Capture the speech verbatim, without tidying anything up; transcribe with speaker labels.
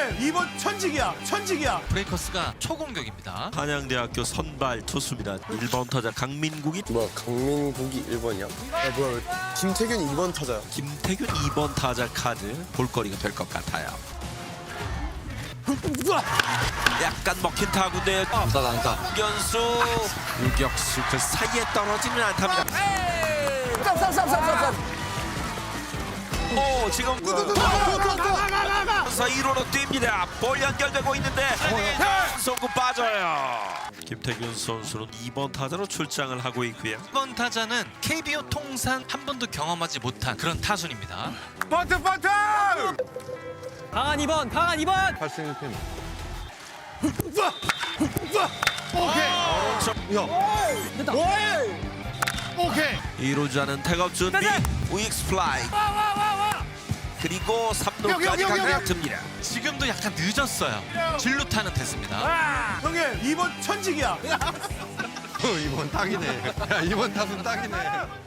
Speaker 1: 형님 이 번 천직이야 천직이야.
Speaker 2: 브레이커스가 초공격입니다.
Speaker 3: 한양대학교 선발 투수입니다. 일 번 타자 강민국이,
Speaker 4: 뭐야 강민국이 일 번이야? 야 뭐야 김태균이 이 번 타자야.
Speaker 3: 김태균 이 번 타자 카드 볼거리가 될 것 같아요. 약간 먹힌 타구인데
Speaker 5: 안타 안타.
Speaker 3: 유견수 유격수 그 사이에 떨어지는 안타입니다. 오 지금 사 일 호로 뜁니다. 볼 연결되고 있는데 송구 빠져요. 김태균 선수는 이 번 타자로 출장을 하고 있고요.
Speaker 2: 이 번 타자는 케이비오 통산 한 번도 경험하지 못한 그런 타순입니다.
Speaker 1: 버튼 버튼.
Speaker 6: 강한 이 번, 강한 이 번.
Speaker 4: 팔승일 팬.
Speaker 1: 오케이.
Speaker 3: 이루자는 태업 준비 우익스 플라이 그리고 삼
Speaker 1: 여기,
Speaker 3: 루까지
Speaker 1: 여기, 여기,
Speaker 3: 강력
Speaker 1: 여기.
Speaker 3: 듭니다.
Speaker 2: 지금도 약간 늦었어요. 진루타는 됐습니다.
Speaker 1: 형님 이 번 천직이야.
Speaker 4: 이번 딱이네. 야 이번 타순 딱이네.